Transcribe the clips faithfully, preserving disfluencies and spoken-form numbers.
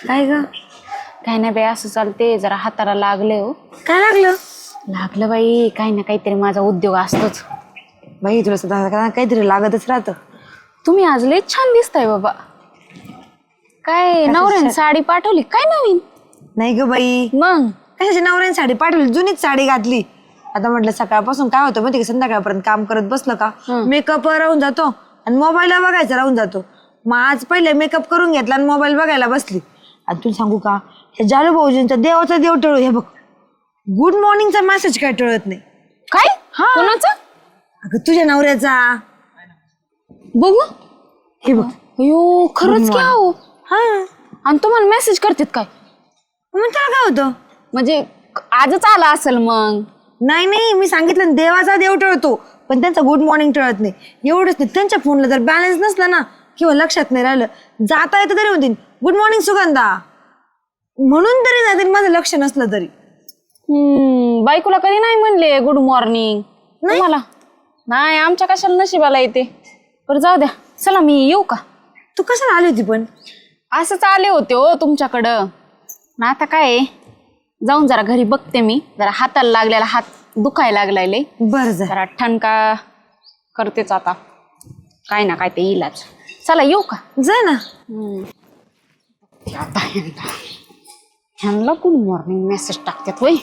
काय ग? काय नाही बाई, असं चालते, जरा हाताला लागले हो. काय लागलं? लागलं बाई, काही ना काहीतरी माझा उद्योग असतोच. बाई तुला सदा काहीतरी लागतच राहतं. तुम्ही आज लय छान दिसताय बाबा. काय नवऱ्याने साडी पाठवली काय नवीन? नाही ग बाई, मग कशाची नवऱ्याने साडी पाठवली? जुनीच साडी घातली. आता म्हटलं सकाळपासून काय होतं माहिती का, संध्याकाळपर्यंत काम करत बसलं का मेकअप राहून जातो आणि मोबाईलला बघायचा राहून जातो. मग आज पहिले मेकअप करून घेतला आणि मोबाईल बघायला बसली. आणि तुला सांगू का, हे जालू भाऊजींचा देवाचा देव टळू. हे बघ, गुड मॉर्निंगचा मेसेज काय टळत नाही. काय? कोणाचा? अगं तुझ्या नवऱ्याचा. बघू. हे बघ. अयो खरंच क्या हो. हा, आणि तुम्हाला मेसेज करतात काय? मग त्याला काय होतं? म्हणजे आजच आला असेल मग. नाही नाही, मी सांगितलं ना, देवाचा देव टळतो पण त्यांचा गुड मॉर्निंग टळत नाही. एवढंच नाही, त्यांच्या फोनला जर बॅलन्स नसला ना किंवा लक्षात नाही राहिलं, जाता येतं तरी म्हणतील गुड मॉर्निंग सुगंधा, म्हणून तरी जातील माझं लक्ष नसलं तरी. हम्म बायकोला कधी नाही म्हणले गुड मॉर्निंग तुम्हाला? नाही, आमच्या कशाला नशिबाला येते. बरं जाऊ द्या, चला मी येऊ का? तू कशाला आली होती पण? असंच आले होते हो तुमच्याकडं. ना आता काय जाऊन जरा घरी बघते मी, जरा हाताला लागलेला हात दुखायला लागलाय लय. बरं जा. जरा ठणका करतेच आता, काय ना काय ते इलाज. चला येऊ का? जा ना. आता ह्यांना ह्यांना गुड मॉर्निंग मेसेज टाकतात वय.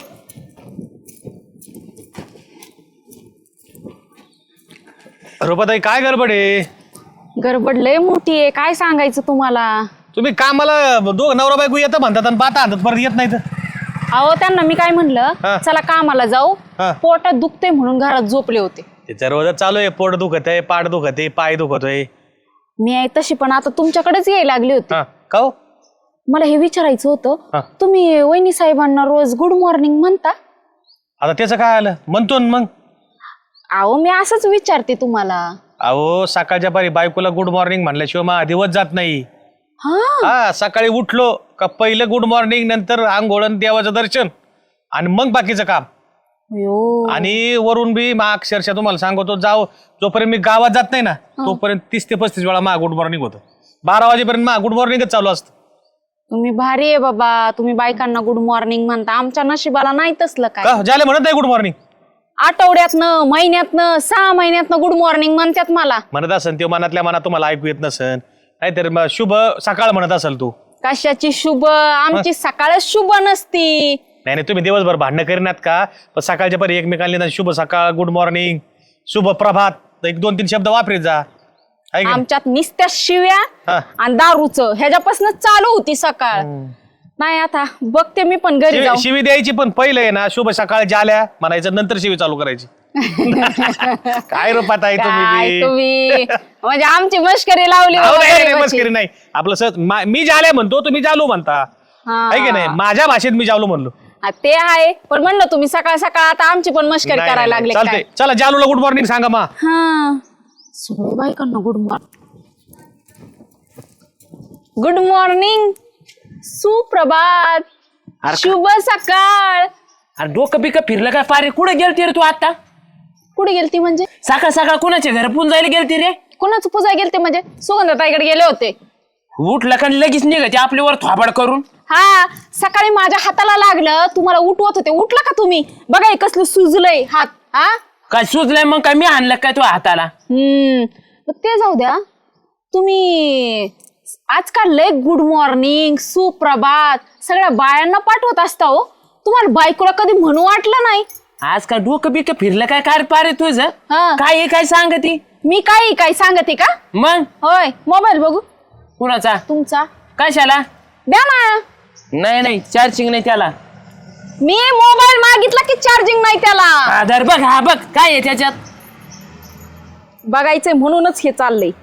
रुपाताई काय गडबड आहे? गडबड लय मोठी आहे, काय सांगायचं तुम्हाला. तुम्ही कामाला दोघ नवरा बायको येतं म्हणतात आणि पाहता आणतात, परत येत नाहीत. अहो त्यांना मी काय म्हणलं, हा. चला कामाला जाऊ, हा. पोटात दुखते म्हणून घरात झोपले होते. त्याच्या रोज चालू आहे, पोट दुखत आहे, पाठ दुखत आहे, पाय दुखत आहे. मी आहे तशी, पण आता तुमच्याकडेच यायला लागले होते. हा का हो? मला हे विचारायचं हा. होतं, तुम्ही वहिनी साहेबांना रोज गुड मॉर्निंग म्हणता? आता त्याचं काय आलं? म्हणतो ना मग. अहो मी असंच विचारते तुम्हाला. अहो सकाळच्या पारी बायकोला गुड मॉर्निंग म्हणल्याशिवाय मग दिवस जात नाही. हा हा, सकाळी उठलो का पहिलं गुड मॉर्निंग, नंतर आंघोळ आणि देवाचं दर्शन आणि मग बाकीचं काम. यो. आणि वरून बी मा अक्षरशः तुम्हाला सांगतो, जाऊ जोपर्यंत मी गावात जात नाही ना तोपर्यंत तीस ते पस्तीस वेळा मा गुड मॉर्निंग होतं. बारा वाजेपर्यंत मा गुड मॉर्निंगच चालू असतं. तुम्ही भारी आहे बाबा, तुम्ही बायकांना गुड मॉर्निंग म्हणता. आमच्या नशिबाला नाही तसलं काय. का ज्याला म्हणत नाही गुड मॉर्निंग? आठवड्यातनं, महिन्यातनं, सहा महिन्यातनं गुड मॉर्निंग म्हणतात मला. म्हणत असन ते, मनातल्या मनात तुम्हाला ऐकू येत नसन. नाहीतर मग शुभ सकाळ म्हणत असेल तू. कशाची शुभ? आमची सकाळच शुभ नसती. नाही नाही, तुम्ही दिवसभर भांडणं करीनात का? पण सकाळच्या परी एकमेकांना शुभ सकाळ, गुड मॉर्निंग, शुभ प्रभात एक दोन तीन शब्द वापरीत जा. आहे की नाही? आमच्यात निस्त्या शिव्या हा. आणि दारूचं ह्याच्यापासून चालू होती सकाळ. नाही आता बघते मी पण घरी शिवी जाऊ. शिवी द्यायची, पण पहिलं आहे ना शुभ सकाळ जाल्या म्हणायचं, नंतर शिवी चालू करायची. काय रूपात आहे तुम्ही काय बी? तुम्ही म्हणजे आमची मस्करी लावली अहो, बाबा नाही, नाही, गरिबाची. मस्करी नाही. आपलं सहज मा- मी जाल्या म्हणतो, तुम्ही जालू म्हणता. हा. आहे की नाही? माझ्या भाषेत मी जालू म्हणलो. हा, ते आहे, पण म्हणलं तुम्ही सकाळ सकाळ आता आमची पण मस्करी नाही, करायला नाही, लागले चालतंय. काय? चला जालूला गुड मॉर्निंग सांगा मा. हा सगळं बायकांना गुड मॉर्निंग. गुड मॉर्निंग, सुप्रभात, अरे शुभ सकाळ. अरे डोकं बिकं फिरलं काय पारे? कुठे गेलती रे तू आता? कुठे गेलती म्हणजे? सकाळ सकाळ कुणाच्या घर पुन जायला गेलती रे? कोणाचं पूजा गेलते म्हणजे? सुगंधताईकडे गेले होते. उठलं का लगेच निघायचे आपल्यावर थोबाड करून? हा, सकाळी माझ्या हाताला लागलं, तुम्हाला उठवत होते, उठला का तुम्ही? बघा हे कसलं सुजलंय हात. हा काय सुचलंय मग? काय मी आणलं काय तू हाताला? हम्म मग ते जाऊ द्या. तुम्ही आजकाल लय गुड मॉर्निंग, सुप्रभात सगळ्या बायांना पाठवत असता हो. तुम्हाला बायकोला कधी म्हणू वाटलं नाही? आज काय डोकं बिकं फिरलं काय काय पारे तुझं? हा. काय आहे, काय सांगती? मी काही काय सांगते का? मग होय, मोबाईल बघू कुणाचा? तुमचा. कशाला? द्या ना. नाही नाही, चार्जिंग नाही त्याला. मी मोबाईल मागितला की चार्जिंग नाही त्याला. आधार बघ, हा बघ काय आहे त्याच्यात. बघायचंय म्हणूनच हे चाललंय.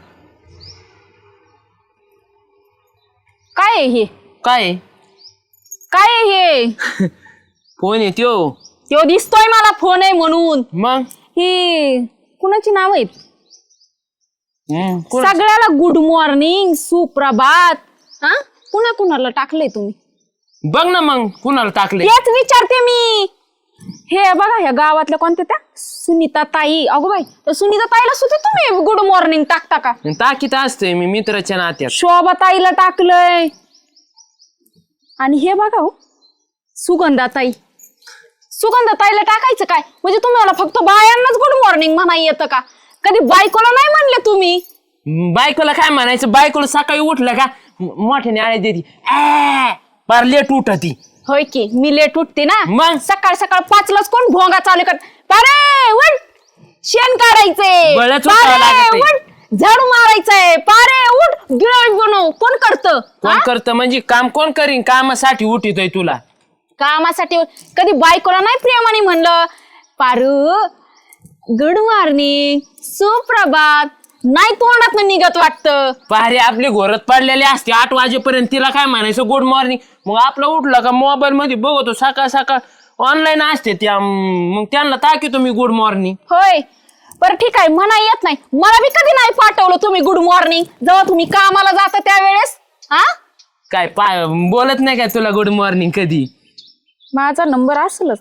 काय आहे हे? काय आहे? काय आहे हे? फोन आहे त्यो. तो दिसतोय मला फोन आहे म्हणून. मग ही कुणाची नाव आहेत? हम्म, कोण- सगळ्याला गुड मॉर्निंग, सुप्रभात. हा, कुणा कुणाला टाकलंय तुम्ही? बघ ना मग कुणाला टाकले. तेच विचारते मी. हे बघा, ह्या गावातल्या कोणत्या त्या सुनीता ताई. अगो बाई, त्या सुनीता ताईला सुद्धा तुम्ही गुड मॉर्निंग टाकता का? टाकीत असतोय मी मित्राच्या नात्यात. शोभा ताईला टाकलंय. आणि हे बघा हो, सुगंधाताई. सुगंधाताईला टाकायचं काय? म्हणजे तुम्हाला फक्त बायांनाच गुड मॉर्निंग म्हणा येतं का? कधी बायकोला नाही म्हणले तुम्ही? बायकोला काय म्हणायचं? बायकोला सकाळी उठलं का म- मोठ्याने आळे देती, "आ!" फार लेट उठती. होय की, मी लेट उठते ना. मग? सकाळ सकाळ पाचलाच कोण भोंगा चालू कर, पारे उठ, शेण काढायचंय, बळच उठावं पारे लागतंय. उठ, झाडू मारायचंय, पारे उठ, गिळ बनव. कोण करतं? कोण करतं म्हणजे? काम कोण करीन? कामासाठी उठितोय तुला. कामासाठी कधी बायकोला नाही प्रेमाने म्हणलं, पारू गुड मॉर्निंग, सुप्रभात, नाही तोंडात निघत वाटतं. पारे आपली घोरत पडलेली असते आठ वाजेपर्यंत, तिला काय म्हणायचं गुड मॉर्निंग? मग आपलं उठलं का मोबाईल मध्ये बघतो, सकाळ सकाळ ऑनलाईन असते त्या, मग त्यांना टाकीतो मी गुड मॉर्निंग. होय, बरं ठीक आहे, म्हणा येत नाही. मला बी कधी नाही पाठवलं तुम्ही गुड मॉर्निंग, जेव्हा तुम्ही कामाला जाता त्यावेळेस. हा, काय पाय बोलत नाही काय तुला गुड मॉर्निंग कधी? माझा नंबर असेलच.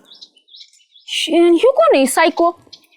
ही कोण आहे सायको?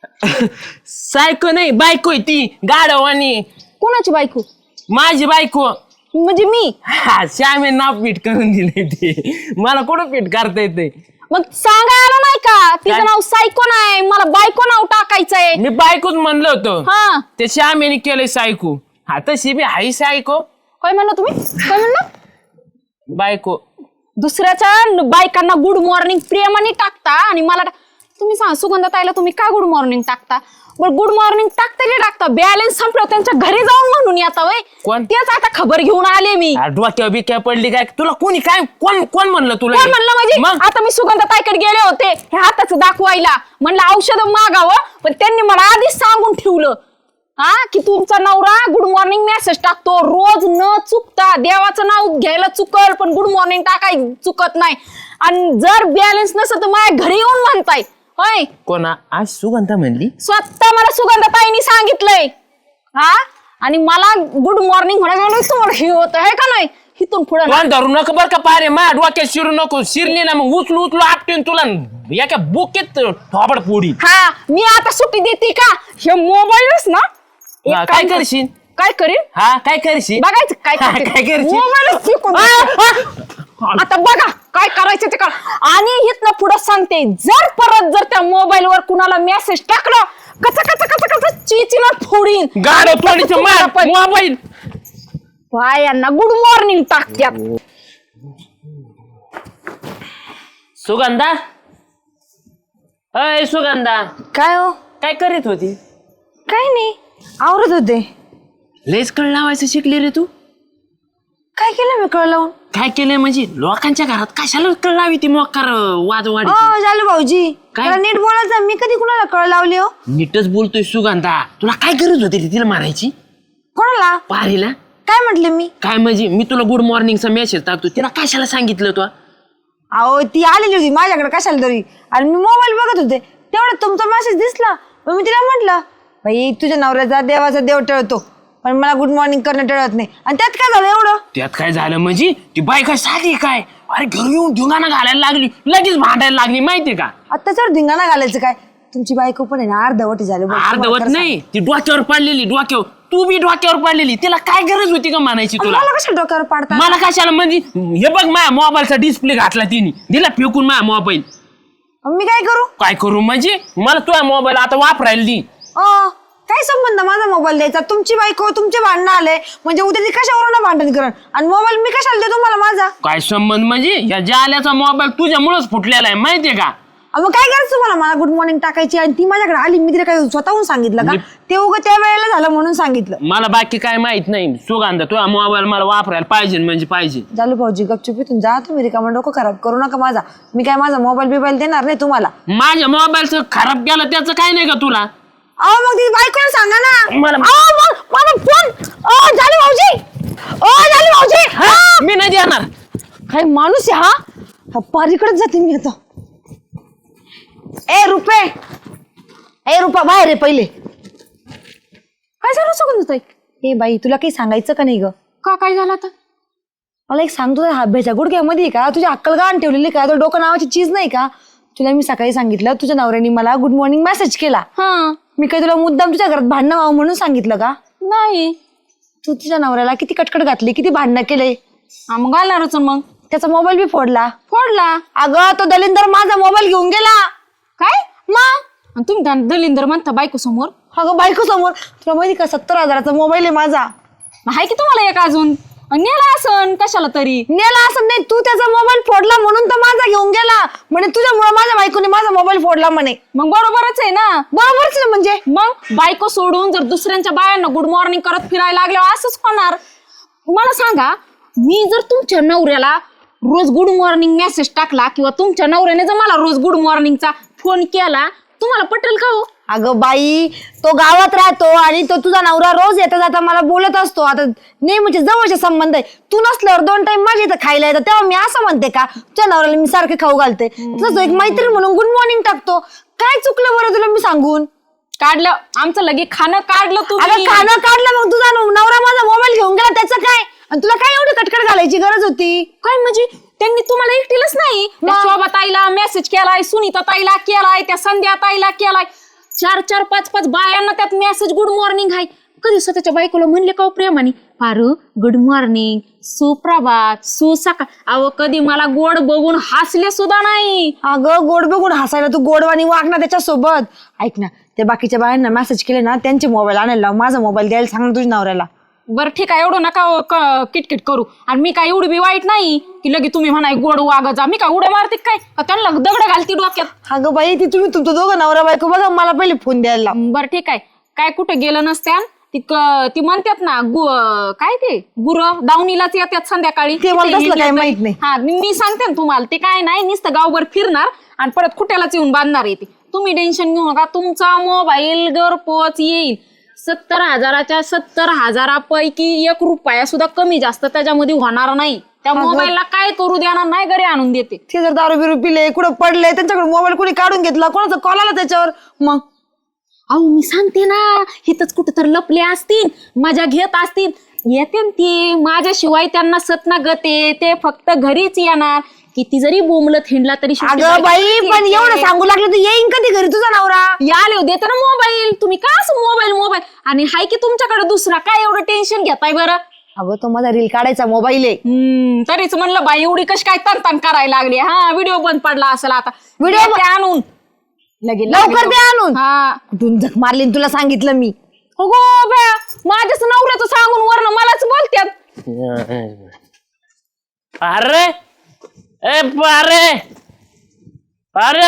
सायको नाही, बायको आहे ती गाढवानी. कोणाची बायको? माझी बायको. म्हणजे मी? हा, श्यामे नाव पीठ करून दिले ते, मला कुठं पीठ करता येते? मग सांगायला नाही का तिचं काय? नाव सायको नाही, मला बायको नाव टाकायचंय. मी बायकोच म्हणलं होतं, हा, ते श्यामेने केलंय सायको. हा, तशी बी हाय सायको. काय म्हणलं तुम्ही? काय म्हणलं? बायको. दुसऱ्याच्या न- बायकांना गुड मॉर्निंग प्रेमाने टाकता आणि मला टा- तुम्ही सांगा सुगंधाताईला तुम्ही का गुड मॉर्निंग टाकता? बरं, गुड मॉर्निंग टाकता की टाकता? बॅलन्स संपलं त्यांच्या घरी जाऊन म्हणून येता वय. कोण? तेच आता खबर घेऊन आले मी. हा, डोक्यावर बिक्या पडली काय तुला? कोणी काय कोण कोण म्हणलं तुला कोण हे? म्हणलं म्हणजे? मग आता मी सुगंधाताईकडे गेले होते हे हाताचं दाखवायला, म्हणलं औषध मागावं, पण त्यांनी मला आधीच सांगून ठेवलं हा की तुमचा नवरा गुड मॉर्निंग मेसेज टाकतो रोज न चुकता. देवाचं नाव घ्यायला चुकल पण गुड मॉर्निंग टाकाय चुकत नाही. आणि जर बॅलन्स नसतं तर माझ्या घरी येऊन म्हणताय होय. कोणा? आज सुगंधा म्हणली? स्वतः मला सुगंधाताईंनी सांगितलंय. हा, आणि मला गुड मॉर्निंग म्हणायला तुम्हाला हे होत आहे का नाही? इथून पुढे कोण धरू नको बरं का पारे, माझ्या डोक्यात शिरू नको. शिरली ना मग उचलू उचलू आपटून तुला एका बुकेत थोबड पोडी. हा, मी आता सुट्टी देते का? हे मोबाईलच ना एक हा, काम काय कर- करशील? काय करीन? हा, काय करशील? बघायचं काय हा, करते. काय करशील? मोबाईलच फेकून देते. आता बघा काय करायचं ते करा. आणि इथनं पुढं सांगते, जर परत जर त्या मोबाईल वर कुणाला मेसेज टाकलं कच कच कच कच चिचिना फोडीन. गाडो थोडीच मार पण मोबाईल. बायांना गुड मॉर्निंग टाकत्यात. सुगंधा, अय सुगंधा, काय हो? काय करीत होती? काही नाही, आवरत होते. लेच कळ लावायचं शिकली रे तू? काय केलं मी कळ लावून? काय केलंय म्हणजे? लोकांच्या घरात कशाला कळ लावी ती मोकार वाजवाडी? हो झालं भाऊजी, काय? जरा नीट बोलायचं. मी कधी कुणाला कळ लावली हो? नीटच बोलतोय सुगंधा. तुला काय गरज होती रे तिला मारायची? कोणाला? पारीला? काय म्हटले मी? काय म्हणजे? मी तुला गुड मॉर्निंगचा मेसेज टाकतो, तिला कशाला सांगितलं तू? अहो ती आलेली होती माझ्याकडे कशाला तरी, आणि मी मोबाईल बघत होते तेवढ्यात तुमचा मेसेज दिसला. मग मी तिला म्हटलं, बाई तुझ्या नवऱ्याचा देवाचा देव टळतो पण मला गुड मॉर्निंग करणं टळत नाही. आणि त्यात काय झालं एवढं? त्यात काय झालं म्हणजे? ती बाई काय साधी काय? अरे घरी येऊन धिंगाणा घालायला लागली, लगेच भांडायला लागली माहितीये का? आता त्याच्यावर धिंगाणा घालायचं काय? तुमची बायको पण आहे ना अर्धवटी झाली बघ, तुम्हाला अर्धवट खरं नाही, ती डोक्यावर पडलेली. डोक्यावर तू बी डोक्यावर पडलेली. तिला काय गरज होती का म्हणायची सांग. तुला? मला कशा डोक्यावर पाडता? मला कशाला म्हणजे? हे बघ माझ्या मोबाईलचा डिस्प्ले घातला तिने, दिला फेकून माझा मोबाईल. मग मी काय करू? काय करू म्हणजे? मला तुझा मोबाईल आता वापरायला दी. अ काय संबंध माझा मोबाईल द्यायचा? तुमची बायको तुमचे भांडणं आले म्हणजे उद्या ती कशावरून भांडण करण, आणि मोबाईल मी कशाला देतो तुम्हाला माझा? काय संबंध म्हणजे? या जाल्याचा मोबाईल तुझ्यामुळेच फुटलेला आहे माहितीये का? अ, मग काय करायचं तुम्हाला मला गुड मॉर्निंग टाकायची आणि ती माझ्याकडे आली, मी तिला काय स्वतःहून सांगितलं का? ते उगं त्या वेळेला झालं म्हणून सांगितलं. मला बाकी काय माहित नाही. सुगंधा तुझा मोबाईल मला वापरायला पाहिजे म्हणजे पाहिजे. जालू भाऊजी गपचुपीतून जा तुम्ही, रिकामा डोकं खराब करू नका माझा. मी काय माझा मोबाईल बिबाईल देणार नाही तुम्हाला. माझ्या मोबाईलचं खराब केलं त्याचं काय नाही का तुला? अहो मग ती बायकोला सांगा ना. मला अहो मग मला फोन. अ जालू भाऊजी, अ जालू भाऊजी, हा, मी नाही देणार. काय माणूस आहे हा? हा पारीकडेच जाते मी आता. ए रुपे, ए रुपा बाहेर आहे पहिले. काय झालं सुगंधाताई? ए बाई तुला काही सांगायचं का नाही ग? का काय झालं आता? मला एक सांगतो, हाब्याच्या गुडघ्यामध्ये का तुझी अक्कल गाण ठेवलेली का? तो डोकं नावाची चीज नाही का? तुला मी सकाळी सांगितलं तुझ्या नवऱ्याने मला गुड मॉर्निंग मेसेज केला. हा, मी काही तुला मुद्दाम तुझ्या घरात भांडणं व्हावं म्हणून सांगितलं का? नाही. तू तुझ्या नवऱ्याला किती कटकट घातली, किती भांडणं केले. हा, मग घालणारच मग. त्याचा मोबाईल बी फोडला. फोडला अगं तो दलिंदर माझा मोबाईल घेऊन गेला. काय मग? आणि तुम्ही त्या दलिंदर म्हणता बायको समोर? अगं बायको समोर. तुला माहिती का सत्तर हजाराचा मोबाईल आहे माझा. आहे की तुम्हाला एक अजून? आणि नेला असन कशाला तरी. नेला असं नाही, तू त्याचा मोबाईल फोडला म्हणून तो माझा घेऊन गेला. म्हणे तुझ्यामुळे माझ्या बायकोने माझा मोबाईल फोडला म्हणे. मग बरोबरच आहे ना. बरोबरच ना म्हणजे. मग बायको सोडून जर दुसऱ्यांच्या बायांना गुड मॉर्निंग करत फिरायला लागल्यावर असंच होणार. मला सांगा, मी जर तुमच्या नवऱ्याला रोज गुड मॉर्निंग मेसेज टाकला किंवा तुमच्या नवऱ्याने जर मला रोज गुड मॉर्निंगचा फोन केला, तुम्हाला पटेल का हो? अगं बाई, तो गावात राहतो आणि तो तुझा नवरा रोज येता जाता मला बोलत असतो. आता नेहमीचे जवळचे संबंध आहे. तू नसल्यावर दोन टाइम माझ्या इथं खायला येतं, तेव्हा मी असं म्हणते का तुझ्या नवऱ्याला मी सारखे खाऊ घालते? तसं एक मैत्रीण म्हणून गुड मॉर्निंग टाकतो. काय चुकलं बरं तुला मी सांगून? काढलं आमचं लगे खाणं काढलं तुम्ही. अगं खाणं काढलं, मग तुझा नवरा माझा मोबाईल घेऊन गेला त्याचं काय? आणि तुला काय एवढी कटकट घालायची गरज होती? काय म्हणजे त्यांनी तुम्हाला एकटीलच नाही, त्या शोभा ताईला मेसेज केलाय, सुनीता ताईला केलाय, त्या संध्या ताईला केलाय, चार चार पाच पाच बायांना त्यात मेसेज गुड मॉर्निंग आहे. कधी स्वतःच्या बायकोला म्हणले का प्रेमाने, पारू गुड मॉर्निंग, सुप्रभात, सुसकाळ? अहो कधी मला गोड बघून हसले सुद्धा नाही. अगं गोड बघून हसायला तू गोडवाणी वाग ना त्याच्यासोबत. ऐक ना, त्या बाकीच्या बायांना मेसेज केले ना, त्यांचे मोबाईल आणायला लाव, माझा मोबाईल द्यायला सांग ना तुझ्या नवऱ्याला. बरं ठीक आहे, एवढं नका क- किटकिट करू. आणि मी काय एवढी बी वाईट नाही की लगे तुम्ही म्हणाय गोड वागत जा. मी काय उड्या मारते काय? का त्यांना दगड घालती डोक्यात? अगं बाई, ती तुम्ही तुमचं दोघं नवरा बायको बघा, मला पहिले फोन द्यायला लाव. बरं ठीक आहे, काय कुठे गेलं नसत्यान ती क- ती म्हणतात ना गु काय ते गुर दावणीलाच येतात संध्याकाळी. ते मला तिथे तसलं हिंडलं काही तरी- माहित नाही. हा मी सांगते ना तुम्हाला, ते काय नाही नुसतं गावभर फिरणार आणि परत कुठ्यालाच येऊन बांधणार येते. तुम्ही टेन्शन घेऊ नका, तुमचा मोबाईल घरपोच येईल. सत्तर हजाराच्या सत्तर हजारापैकी एक रुपया सुद्धा कमी जास्त त्याच्यामध्ये होणार नाही. त्या मोबाईलला काय करू देणार नाही, घरी आणून देते. ते जर दारू बिरू पिले, कुठं पडले, त्यांच्याकडे मोबाईल कुणी काढून घेतला, कोणाचा कॉल आला त्याच्यावर, मग अहो मी सांगते ना, हिथच कुठं तर लपले असतील, मजा घेत असतील, येते ते माझ्याशिवाय त्यांना सतना गते. ते फक्त घरीच येणार. किती जरी बोंबलत हिंडला तरी शेवटी अगं बाई, बायकोच पण येते. एवढं सांगू लागलं तर येईन कधी घरी तुझा नवरा? याले देते ना मोबाईल. तुम्ही का असं मोबाईल मोबाईल आणि हाय की तुमच्याकडे दुसरा, काय एवढं टेन्शन घेताय बरं? अगं तो माझा रील काढायचा मोबाईल आहे. हम्म तरीच म्हणलं बाई एवढी कशी काय तन तन करायला लागली. हा व्हिडिओ बंद पडला असेल आता. व्हिडिओ देते आणून लगे लवकर दे आणून. हा कुठून झक मारली न तुला सांगितलं मी. हो गो बया, माझ्याच नवऱ्याचं सांगून वरनं मलाच बोलत्यात. अरे ए पारे पारे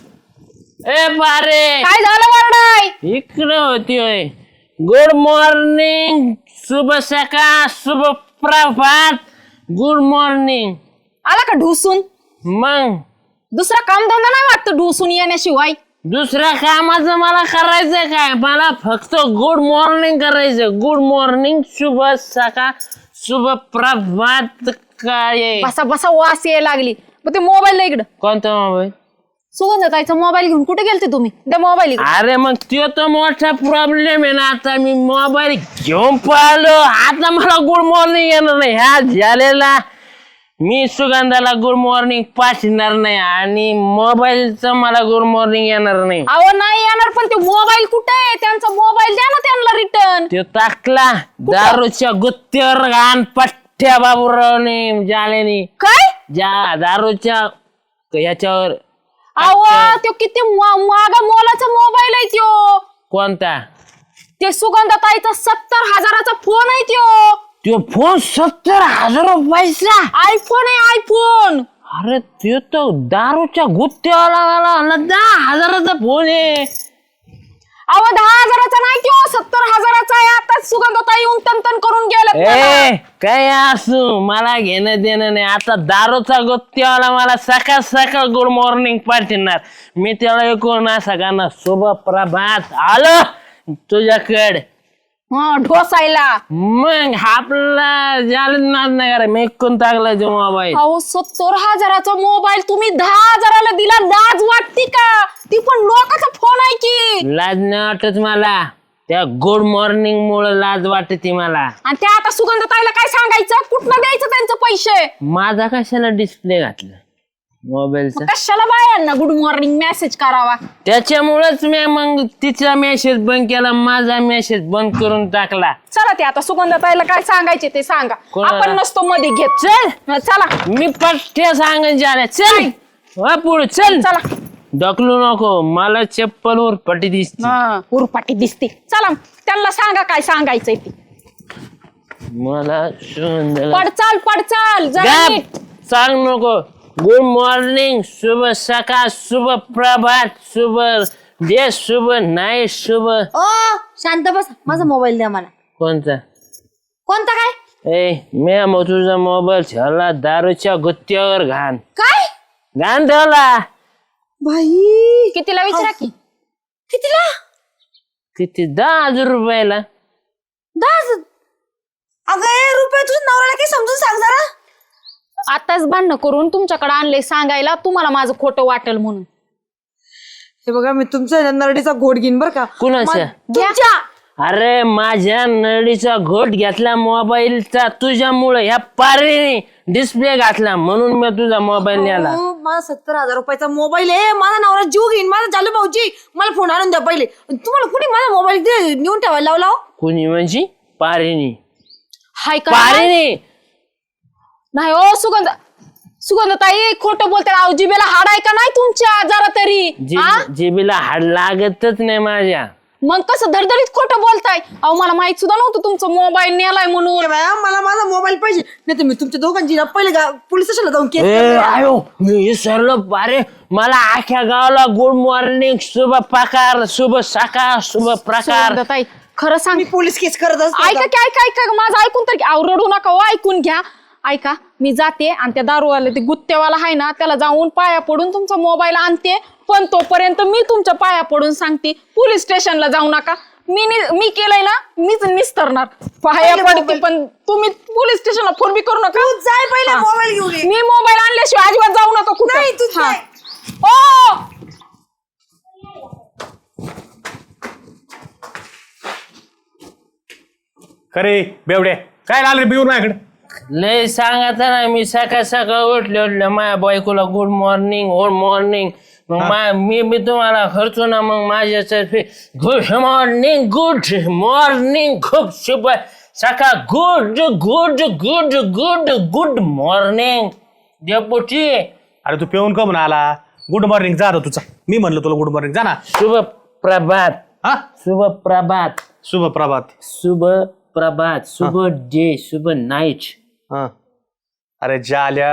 ए पारे, काय झालं वरडाय? इकडे होती होय. गुड मॉर्निंग, शुभ सकाळ, शुभ प्रभात, गुड मॉर्निंग. आला का ढुसून? मग दुसरा काम धंदा नाही वाटतं ढुसून येण्याशिवाय. दुसऱ्या कामाचं मला करायचं काय? मला फक्त गुड मॉर्निंग करायचं. गुड मॉर्निंग, शुभ सकाळ, शुभ प्रभात. काय बसा बसा वास यायला लागली. मग ते मोबाईल इकडं. कोणता मोबाईल? सुगंधताईचा मोबाईल घेऊन कुठे गेलते तुम्ही? त्या मोबाईल अरे मग तो तर मोठा प्रॉब्लेम आहे ना. आता मी मोबाईल घेऊन पाहिलो, आता मला गुड मॉर्निंग येणार नाही. ह्या झालेला मी सुगंधाला गुड मॉर्निंग पाठवणार नाही आणि मोबाईलचं मला गुड मॉर्निंग येणार नाही. अहो नाही येणार, पण ते मोबाईल कुठे आहे? त्यांचा मोबाईल द्या ना त्यांना रिटर्न. तो टाकला दारूच्या गुत्त्यावर घाण पठ्ठ्या बाबूरावने जालेनी. काय? ज्या दारूच्या याच्यावर. अहो तो किती मागा मोलाचा मोबाईल आहे त्यो. कोणता? ते सुगंधताईचा सत्तर हजाराचा फोन आहे त्यो. तो फोन सत्तर हजार रुपयाचा आयफोन आहे आयफोन. अरे ते तर दारूच्या गुत्त्यावाला दहा हजाराचा फोन आहे. अहो दहा हजाराचा नाही त्यो, सत्तर हजाराचा आहे. आता सुगंधताई येऊन तन करून गेलं. ए काय असू मला घेणं देणं नाही. आता दारूचा गुत्त्यावाला मला सकाळ सकाळ गुड मॉर्निंग पाठवणार. मी त्याला ऐकून सगळ्यांना शुभ प्रभात आलो तुझ्याकडे हा ढोसायला. मग आपला झालं नाद नाही करा. मी ऐकून टाकला जो मोबाईल. अहो सत्तर हजाराचा मोबाईल तुम्ही दहा हजाराला दिला, लाज वाटते का? ती पण लोकांचा फोन आहे की. लाज नाही वाटत मला. त्या गुड मॉर्निंग मुळे लाज वाटते मला. आणि त्या आता सुगंधताईला काय सांगायचं? कुठनं द्यायचं त्यांचं पैसे? माझा कशाला डिस्प्ले घातला? मोबाईलचा कशाला बायांना गुड मॉर्निंग मेसेज करावा? त्याच्यामुळेच मी मग तिचा मेसेज बंद केला, माझा मेसेज बंद करून टाकला. चला ते आता सुगंधाताईला काय सांगायचे ते सांगा. कोणाला? आपण नसतो मध्ये घेत. चल चला मी पट्ट्या सांगायचे आल्या. चल वा पुढे चल. चला ढकलू नको, मला चप्पलवर पट्टी दिसते. हा, उरपाटी दिसते. चला त्यांना सांगा काय सांगायचंय ते. मला सुगंधाला पडचाल पडचाल जरा गप, नीट. सांग नको. गुड मॉर्निंग, शुभ सकाळ, शुभ प्रभात, शुभ डे, शुभ नाईट, शुभ. ओ शांत बस, माझा मोबाईल द्या मला. कोणता? कोणता काय? ए मी मग तुझा मोबाईल ठेवला दारूच्या गुत्त्यावर घाण काय घाण ठेवला. भाई कितीला विचारा की? कितीला? किती? दहा हजार रुपयाला. दहा. अगं ए, रुपये तुझ्या नवऱ्याला काही समजून सांग जरा. आताच भांडणं करून तुमच्याकडे आणले सांगायला तुम्हाला माझं खोटं वाटेल म्हणून. हे बघा मी तुमच्या नरडीचा घोट घेईन बरं का. कुणाच्या? तुमच्या. अरे माझ्या नळीचा घोट घेतला मोबाईलचा तुझ्यामुळे. ह्या पारेने डिस्प्ले घातला म्हणून मी तुझा मोबाईल नेला. हो, माझा सत्तर हजार रुपयाचा मोबाईल आहे. माझा नवरा जीव घेईन. माझा चालू भाऊजी मला फोन आणून द्या पहिले. तुम्हाला कुणी माझा मोबाईल नेऊन ठेवायला लावला? कुणी म्हणजे? पारेने. हाय का? पारेने नाही ओ सुगंध सुगंधताई खोटं बोलते. अहो जिबेला हाड आहे का नाही तुमच्या जरा तरी? हा? जीब- जीबीला हाड लागतच नाही माझ्या. मग कसं धडधडीत खोटं बोलताय? अहो मला माहित सुद्धा नव्हतं तुमचा मोबाईल नेलाय म्हणून. ए बाया, मला माझा मोबाईल पाहिजे नाही तर मी तुमच्या दोघांची ना पहिले गा- पोलीस स्टेशनला जाऊन केस ए, करते. आयो मी विसरलो. अरे मला अख्ख्या गावाला गुड मॉर्निंग, शुभ प्रकार, शुभ सकाळ, शुभ प्रकार. सुगंधताई खरं सांग. मी पोलीस केस करत असते. ऐका की ऐका ऐका माझं ऐकून तर घ्या. अहो, रडू नका हो, ऐकून घ्या. ऐका मी जाते आणि त्या दारूवाला ते गुत्तेवाला आहे ना त्याला जाऊन पाया पडून तुमचा मोबाईल आणते. पण तोपर्यंत मी तुमच्या पाया पडून सांगते पोलीस स्टेशनला जाऊ नका. मी नि- मी केलंय ना मीच निस्तरणार. पाया पहिले पडते मोबाईल. पण तुम्ही पोलीस स्टेशनला फोन बी करू नका. तू जाय पहिले हा. मोबाईल घेऊन ये. मी मोबाईल आणल्याशिवाय अजिबात जाऊ नका कुठे. नाही, तू जाय. ओ खरे बेवड्या काय लागले बिऊन माझ्याकडे? लय सांगत ना मी सकाळ सकाळ उठले उठले माझ्या बायकोला गुड मॉर्निंग गुड मॉर्निंग. मग मा- मी बी तुम्हाला खर्चो ना मग माझ्यातर्फे गुड मॉर्निंग गुड मॉर्निंग खूप शुभ सकाळ good good good good good morning deputy. अरे तू पेऊन का म्हणून आला? गुड मॉर्निंग जा आता तुझा. मी म्हणलं तुला गुड मॉर्निंग जा ना. शुभ प्रभात हा शुभ प्रभात शुभ प्रभात. शुभ प्रभात शुभ डे शुभ नाईट. हा अरे जाल्या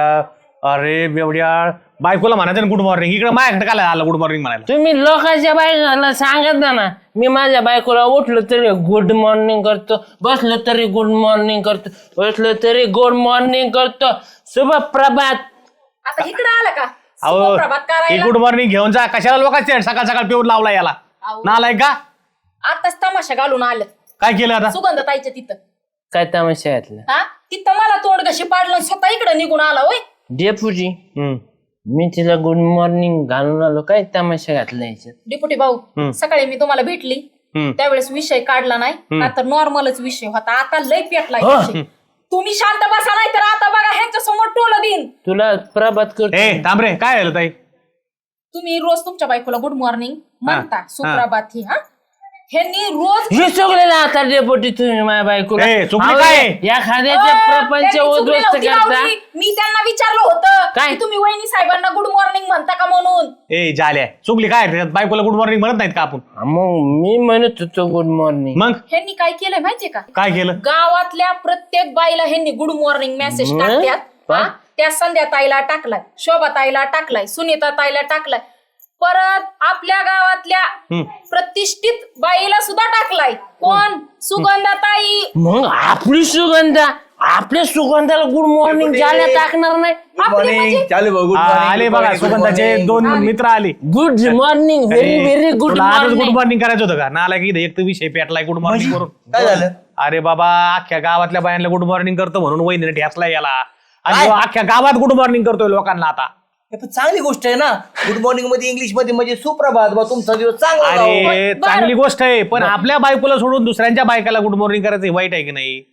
अरे बेवड्या बायकोला म्हणायचं ना गुड मॉर्निंग. इकडे माझ्याकडे काय आला गुड मॉर्निंग म्हणायला? तुम्ही लोकांच्या बायकोला सांगत ना ना. मी माझ्या बायकोला उठलो तरी गुड मॉर्निंग करतो, बसलो तरी गुड मॉर्निंग करतो, बसलो तरी गुड मॉर्निंग करतो. शुभ प्रभात. आता इकडे आला का? अहो शुभप्रभात ही करायला. गुड मॉर्निंग घेऊन जा. कशाला लोकांचे सकाळ सकाळ पिऊन लावला याला? नालाय का? आताच तमाशा घालून आलं काय केलं आता? सुगंधताईच्या तिथं. काय तमाशा घातला? हा तिथं मला तोंड कशी पाडलं स्वतः इकडे निघून आला होय. डेपुटी हम्म. मी तिला गुड मॉर्निंग घालून आलो. काय तमाशा घातला याच्यात? डिपुटी भाऊ सकाळी मी तुम्हाला भेटली हम्म. त्यावेळेस विषय काढला नाही आता नॉर्मलच विषय होता. आता लय पेटलाय हो. विषय. तुम्ही शांत बसा नाही तर आता बघा ह्यांच्या समोर टोलं देईन. तुला प्रभात करतो. ए थांब रे काय झालं ताई? तुम्ही रोज तुमच्या बायकोला गुड मॉर्निंग म्हणता सुप्रभात ही हा ह्यांनी रोज हे चुकलेलं आता डेपुटी तुम्ही माझ्या बायकोला. ए, चुकली अहो, काय? या खाद्याचे अं, प्रपंच त्यांनी चुकली उद्ध्वस्त नव्हती करता. लावली. मी त्यांना विचारलं होतं काय? की तुम्ही वहिनी साहेबांना गुड मॉर्निंग म्हणता का म्हणून. ए जाल्या चुकली काय? त्याच्यात बायकोला गुड मॉर्निंग म्हणत नाहीत का आपण? मग मी म्हणत होतो गुड मॉर्निंग. मग ह्यांनी काय केलंय माहितीये का? काय केलं? गावातल्या प्रत्येक बाईला ह्यांनी गुड मॉर्निंग मेसेज मग? टाकत्यात. पा- हा? त्या संध्या ताईला टाकलाय, शोभा ताईला टाकलाय, सुनीता ताईला टाकलाय, परत आपल्या गावातल्या प्रतिष्ठित बाईला सुद्धा टाकलाय. कोण? सुगंधा ताई. मग आपली सुगंधा आपल्या सुगंधाला गुड मॉर्निंग ज्याला टाकणार नाही. आपली म्हणजे आ, आले बघा सुगंधाचे दोन मित्र आले. Good morning very very good good morning. Morning करायचं होतं का? नाला की एक तर विषय पेटलाय गुड मॉर्निंग करून. काय झालं? अरे बाबा अख्ख्या गावातल्या बायांना गुड मॉर्निंग करतो म्हणून वहिनीने ठेसला याला. आणि तो अख्ख्या गावात गुड मॉर्निंग करतोय लोकांना आता. हे पण चांगली गोष्ट आहे ना. गुड मॉर्निंग मध्ये इंग्लिश मध्ये म्हणजे सुप्रभात बा तुमचा दिवस चांगला जाओ. अरे चांगली गोष्ट आहे पण आपल्या बायकोला सोडून दुसऱ्यांच्या बायकाला गुड मॉर्निंग करायचं हे वाईट आहे की नाही?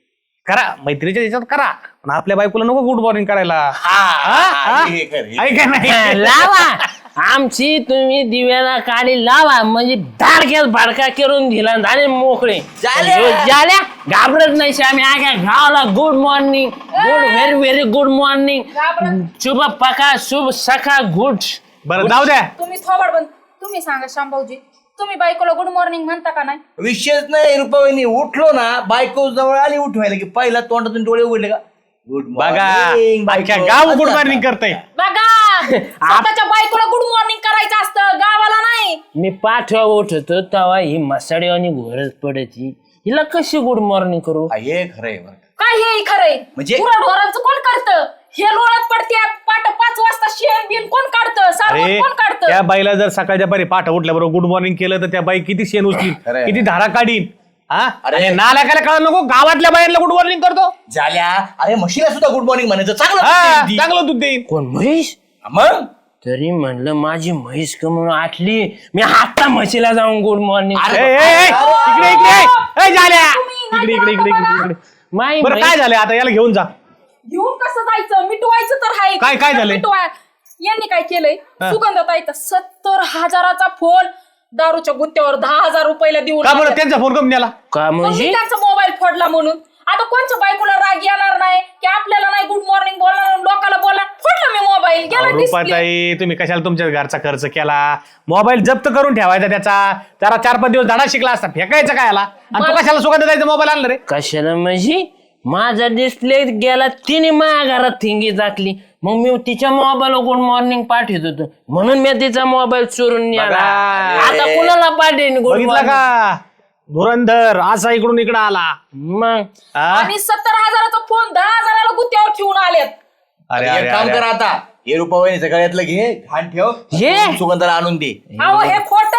करा मैत्रीच्या याच्यात करा पण आपल्या बायकोला नको गुड मॉर्निंग करायला हा, हा? हे खरं, हे आहे का नाही लावा आमची तुम्ही दिव्याला काढी लावा म्हणजे धाडक्यात भाडका करून दिला झाले मोकळे झाले. झाल्या घाबरत नाही आम्ही आग्या गावाला good morning good very very good morning शुभ पका शुभ सखा गुड बरं जाऊ द्या तुम्ही थोबड बंद तुम्ही सांगा शांभाऊजी तुम्ही बायकोला गुड मॉर्निंग म्हणता का नाही विषयच नाही रुपाबाईनी उठलो ना बायको जवळ आली उठवायला की पहिला तोंडातून डोळे उघडले का गुड बघा अख्ख्या गाव गुड मॉर्निंग करतय बघा स्वतःच्या बायकोला गुड मॉर्निंग करायचं असतं गावाला नाही मी पाठवा उठतो तेव्हा ही मसाडी आणि घोरच पडायची हिला कशी गुड मॉर्निंग करू हे खरंय बरं. काय हे खरंय म्हणजे- ढोरांचं कोण काढतं हे लोळत पडत्यात पाट पाच वाजता शेण बिन कोण काढतं सारवण अरे कोण काढतं त्या बाईला जर सकाळच्या पारी पाठ उठल्याबरोबर गुड मॉर्निंग केलं तर त्या बाई किती शेण उचलीन खरंय. किती धारा काढीन हा अरे. अरे नालायकाला कळलं नको गावातल्या बायांना गुड मॉर्निंग करतो झाल्या अरे म्हशीला सुद्धा गुड मॉर्निंग म्हणायचं चांगलं हा बोलते ती. चांगलं दूध देईन कोण म्हैस मग तरी म्हणलं माझी म्हैस का म्हणून आटली मी आता म्हशीला जाऊन गुड मॉर्निंग ए, ए, ए, इकडे इकडे ए, झाल्या इकडे इकडे इकडे इकडे इकडे माई बरं काय झालं आता याला घेऊन जा घेऊन कसं जायचं मिटवायचं तर हाय काय- काय झालंय? मिटवाय यांनी काय केलंय सुगंधताईचा सत्तर हजाराचा फोन दारूच्या गुत्त्यावर दहा हजार रुपयाला देऊन का बरं आल्या. त्यांचा फोन करून द्याला का मग मी म्हणजे त्यांचा मोबाईल फोडला म्हणून आता कोणच्या बायकोला राग येणार नाही की आपल्याला नाही गुड मॉर्निंग बोलणार लोकांना बोलणार फोडला मी मोबाईल गेला डिस्प्ले रुपाताई तुम्ही कशाला तुमच्या घरचा खर्च केला मोबाईल जप्त करून ठेवायचा त्याचा जरा चार पाच दिवस धडा शिकला असता फेकायचं काय याला आणि तू कशाला सुगंध द्यायचा मोबाईल आणला रे कशाला म्हणजे माझा डिस्प्ले गेला तिने माझ्या घरात थिंगी टाकली मग मी तिच्या मोबाईल गुड मॉर्निंग पाठवत होतो म्हणून मी तिचा मोबाईल चोरून नेला बघा. आता कुणाला पाठवेन गुड बघितलं मॉर्निंग का धुरंधर असा इकडून इकडं आला मग हा? आणि सत्तर हजाराचा फोन दहा हजाराला गुत्त्यावर ठेवून आलेत अरे एक अरे काम अरे. कर आता हे रुपाबाईने सगळ्यातलं घे घाण ठेव हे? सुगंधाला आणून दे अहो हे खोट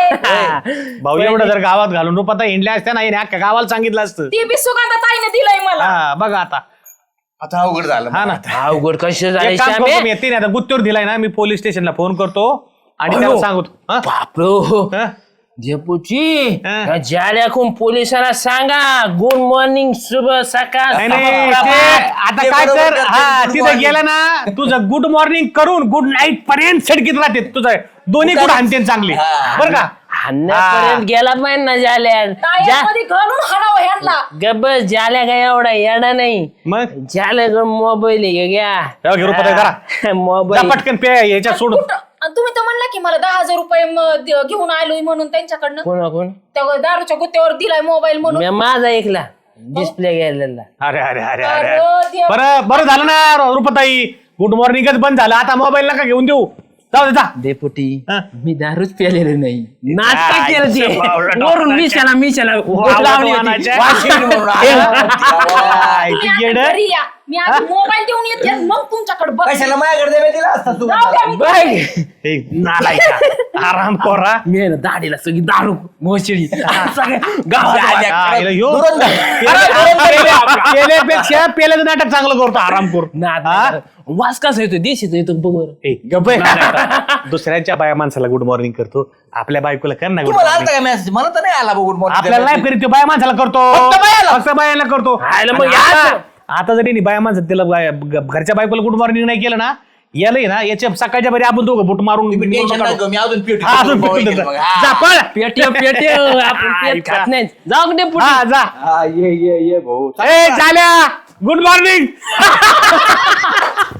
आहे भाऊ एवढं जर गावात घालून रुपाता हिंडल्या असत्या नाही अख्ख्या गावाला सांगितलं असतं ती बी सुगंधताईने दिलंय मला हा बघा आता आता अवघड झालं हा ना अवघड कसं झालं एक काम श्यामे? करतो मी येते ना आता गुत्तीवर दिलाय ना मी पोलीस स्टेशनला फोन करतो आणि त्याला अयो. सांगतो हा? बापरो हा? जेपूची हा. जाल्याकून पोलिसांना सांगा गुड मॉर्निंग शुभ सकाळ नाही नाही सकाळ. ते आता ते काय बरोबर कर करते, हा good तिथं morning. गेलं ना तुझं गुड मॉर्निंग करून गुड नाईट पर्यंत सडकीत राहते तुझं दोन्ही गुड हाणते चांगली हा. बरं का हाणण्यापर्यंत गेला पाहिजे ना जाल्या जा टायरमध्ये घालून हाणावं ह्यांना गब्बस जाल्या काय एवढा येडा नाही मग जाल्या मोबाईल घ्या तेव्हा घे रुपये करा जा मोबाईल पटकन पे याच्यात सोडून कुठं- आणि तुम्ही तर म्हणला की मला दहा हजार रुपये म- द- घेऊन आलोय म्हणून त्यांच्याकडनं कोणा कोण त्या दारूच्या गुत्त्यावर दिलाय मोबाईल म्हणून मी माझा ऐकला डिस्प्ले गेलेला अरे अरे अरे अरे अरे देवा. बरं बरं झालं ना रुपताई गुड मॉर्निंगच बंद झालं आता मोबाईल नका घेऊन देऊ जाऊ दे जा डेपुटी हा. मी दारूच प्यालेलं नाही नाटक काय केलं ते बावळा वरून मिशाला मिशाला लावली होती. वानाच्या. वाशी म्हणून आला. काय तुम्ही ती आता येडं? घरी या मी आधी मोबाईल देऊन येते आणि मग तुमच्याकडे बघ कशाला माझ्याकडे देवे दिला असता तू जाऊ द्या मी- बघ हे नालायका आराम कोरा मी आहे ना दाढीला सगळी दारू मोशिडी सगळ्या गावात आईला ह्यो. दुरंदार. पेले- पेले- पेल्यापेक्षा पेल्याचं नाटक चांगलं करतो आरामखोर नाद हा? वास कसा येतो देशीचा येतो बघ बरं. ए, गप्प आहे. नालायका. दुसऱ्यांच्या बाया माणसाला गुड मॉर्निंग करतो आपल्या बायकोला कर ना गुड तुम्हाला मॉर्निंग आलता का मेसेज मला तर नाही आला गुड मॉर्निंग आपल्याला नाही करीत तो बाया माणसाला करतो फक्त बायाला? फक्त बायाला करतो हायला मग आणि याचं. आता आता जरी नाही बाया माणसं त्याला बाया- ग- घरच्या बायकोला गुड मॉर्निंग नाही केलं ना याला ना याच्या सकाळच्या बरी आपण दोघं बुट मारून टेन्शन काढू. नाही मी अजून पीठ हा, अजून पेटून देतो. जा पळ. पेटे पेटे आपण पेट खात नाही जाऊ दे पुढे हा जा हा ये ये ये भाऊ ए झाल्या गुड मॉर्निंग